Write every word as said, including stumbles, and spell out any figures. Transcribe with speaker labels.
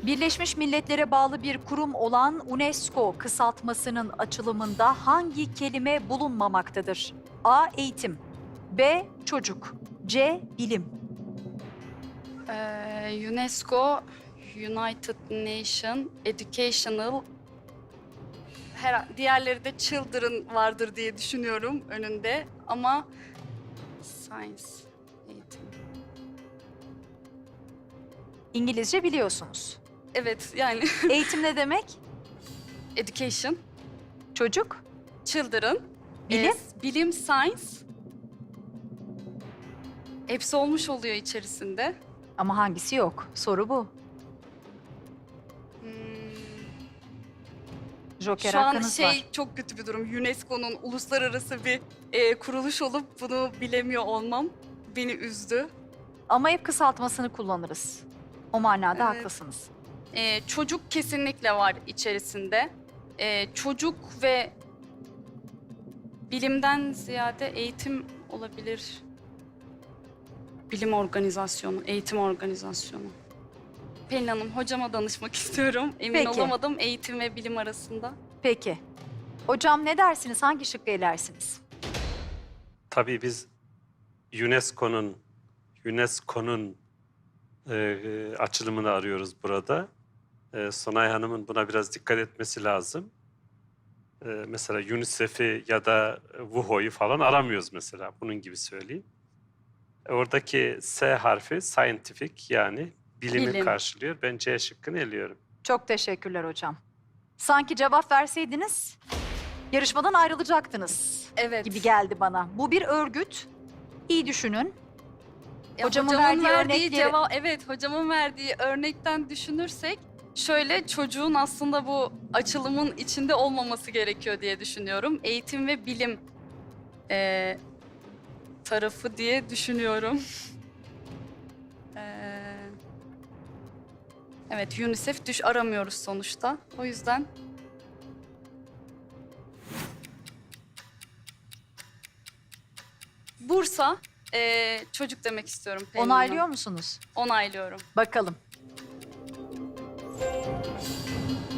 Speaker 1: Birleşmiş Milletler'e bağlı bir kurum olan UNESCO kısaltmasının açılımında hangi kelime bulunmamaktadır? A. Eğitim, B. Çocuk, C. Bilim.
Speaker 2: Ee, UNESCO, United Nation, Educational, her, diğerleri de Children vardır diye düşünüyorum önünde ama Science, eğitim.
Speaker 1: İngilizce biliyorsunuz.
Speaker 2: Evet yani
Speaker 1: Eğitim ne demek?
Speaker 2: Education,
Speaker 1: Çocuk,
Speaker 2: Children,
Speaker 1: Bilim?
Speaker 2: e, bilim, Science. Hepsi olmuş oluyor içerisinde.
Speaker 1: ama hangisi yok? Soru bu.
Speaker 2: Hmm.
Speaker 1: Joker
Speaker 2: Şu an
Speaker 1: hakkınız
Speaker 2: şey
Speaker 1: var.
Speaker 2: çok kötü bir durum. UNESCO'nun uluslararası bir e, kuruluş olup bunu bilemiyor olmam beni üzdü.
Speaker 1: Ama hep kısaltmasını kullanırız. O manada
Speaker 2: Evet.
Speaker 1: haklısınız.
Speaker 2: E, çocuk kesinlikle var içerisinde. E, çocuk ve bilimden ziyade eğitim olabilir. Bilim organizasyonu, eğitim organizasyonu. Pelin Hanım, hocama danışmak istiyorum. Emin
Speaker 1: Peki.
Speaker 2: olamadım eğitim ve bilim arasında.
Speaker 1: Peki. Hocam ne dersiniz? Hangi şıkkı elersiniz?
Speaker 3: Tabii biz UNESCO'nun UNESCO'nun e, açılımını arıyoruz burada. E, Sonay Hanım'ın buna biraz dikkat etmesi lazım. E, mesela UNICEF'i ya da W H O'yu falan aramıyoruz mesela. Bunun gibi söyleyeyim. E, oradaki S harfi scientific yani bilimi
Speaker 2: Bilim.
Speaker 3: karşılıyor. Ben C şıkkını eliyorum.
Speaker 1: Çok teşekkürler hocam. Sanki cevap verseydiniz yarışmadan ayrılacaktınız
Speaker 2: Evet.
Speaker 1: gibi geldi bana. Bu bir örgüt. İyi düşünün.
Speaker 2: Ya
Speaker 1: Hocamın
Speaker 2: hocamın
Speaker 1: verdiği
Speaker 2: verdiği
Speaker 1: örnekleri-
Speaker 2: cevap, evet hocamın verdiği örnekten düşünürsek şöyle çocuğun aslında bu açılımın içinde olmaması gerekiyor diye düşünüyorum. Eğitim ve bilim eee, tarafı diye düşünüyorum. Eee, evet UNICEF düş aramıyoruz sonuçta. O yüzden Bursa eee, çocuk demek istiyorum. Pelin
Speaker 1: Onaylıyor
Speaker 2: Hanım.
Speaker 1: musunuz?
Speaker 2: Onaylıyorum.
Speaker 1: Bakalım.